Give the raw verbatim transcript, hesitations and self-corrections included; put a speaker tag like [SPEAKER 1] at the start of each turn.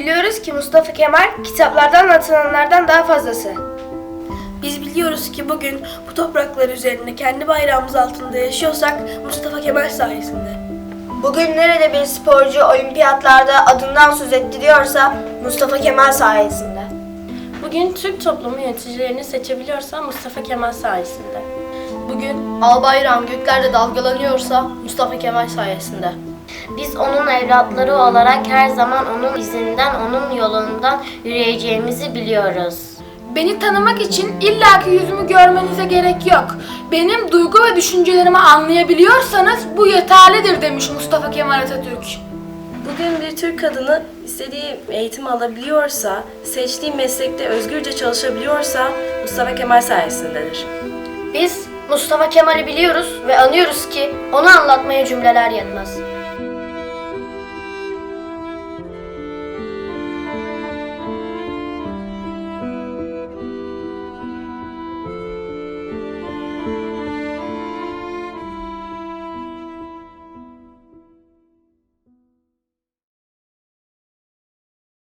[SPEAKER 1] biliyoruz ki Mustafa Kemal kitaplardan anlatılanlardan daha fazlası. Biz biliyoruz ki bugün bu topraklar üzerinde kendi bayrağımız altında yaşıyorsak Mustafa Kemal sayesinde.
[SPEAKER 2] Bugün nerede bir sporcu olimpiyatlarda adından söz ettiriyorsa Mustafa Kemal sayesinde.
[SPEAKER 3] Bugün Türk toplumu yöneticilerini seçebiliyorsa Mustafa Kemal sayesinde.
[SPEAKER 4] Bugün al bayrağım göklerde dalgalanıyorsa Mustafa Kemal sayesinde.
[SPEAKER 5] Biz onun evlatları olarak her zaman onun izinden, onun yolundan yürüyeceğimizi biliyoruz.
[SPEAKER 6] Beni tanımak için illaki yüzümü görmenize gerek yok. Benim duygu ve düşüncelerimi anlayabiliyorsanız bu yeterlidir demiş Mustafa Kemal Atatürk.
[SPEAKER 3] Bugün bir Türk kadını istediği eğitimi alabiliyorsa, seçtiği meslekte özgürce çalışabiliyorsa Mustafa Kemal sayesindedir.
[SPEAKER 5] Biz Mustafa Kemal'i biliyoruz ve anlıyoruz ki onu anlatmaya cümleler yetmez.